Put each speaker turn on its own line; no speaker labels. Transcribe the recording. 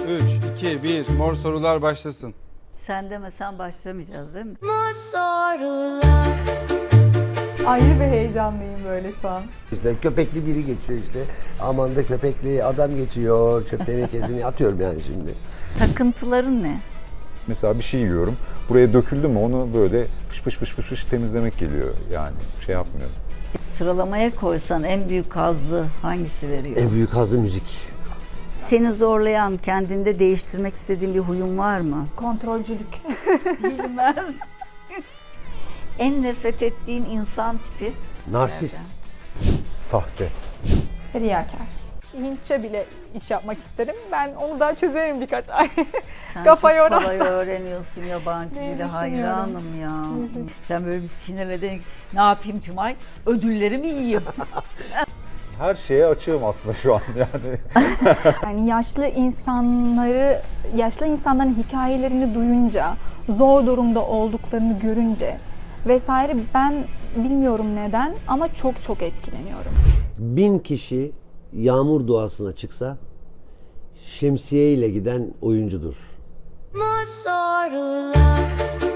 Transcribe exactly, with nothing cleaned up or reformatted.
üç, iki, bir. Mor sorular başlasın.
Sen demesen başlamayacağız değil mi?
Mor sorular.
Ayrı bir heyecanlıyım böyle şu an.
İşte köpekli biri geçiyor işte. Aman da köpekli adam geçiyor. Çöp tenekesini atıyorum yani şimdi.
Takıntıların ne?
Mesela bir şey yiyorum. Buraya döküldü mü onu böyle fış fış fış fış fış temizlemek geliyor. Yani şey yapmıyorum.
Sıralamaya koysan en büyük hazzı hangisi veriyor?
En büyük hazzı müzik.
Seni zorlayan, kendinde değiştirmek istediğin bir huyun var mı?
Kontrolcülük.
Bilmez. En nefret ettiğin insan tipi?
Narsist.
Sahte.
Riyakar. Hintçe bile iş yapmak isterim. Ben onu da çözerim birkaç ay.
Sen
Kafa
çok
yorar.
kolay öğreniyorsun yabancı
Ne
dili,
düşünüyorum?
hayranım ya. Sen böyle bir sinirledin, ne yapayım Tümay? Ödüllerimi yiyeyim.
Her şeye açığım aslında şu an yani.
Yani yaşlı insanları, yaşlı insanların hikayelerini duyunca, zor durumda olduklarını görünce vesaire ben bilmiyorum neden ama çok çok etkileniyorum.
Bin kişi yağmur duasına çıksa şemsiye ile giden oyuncudur.
Mor sorular.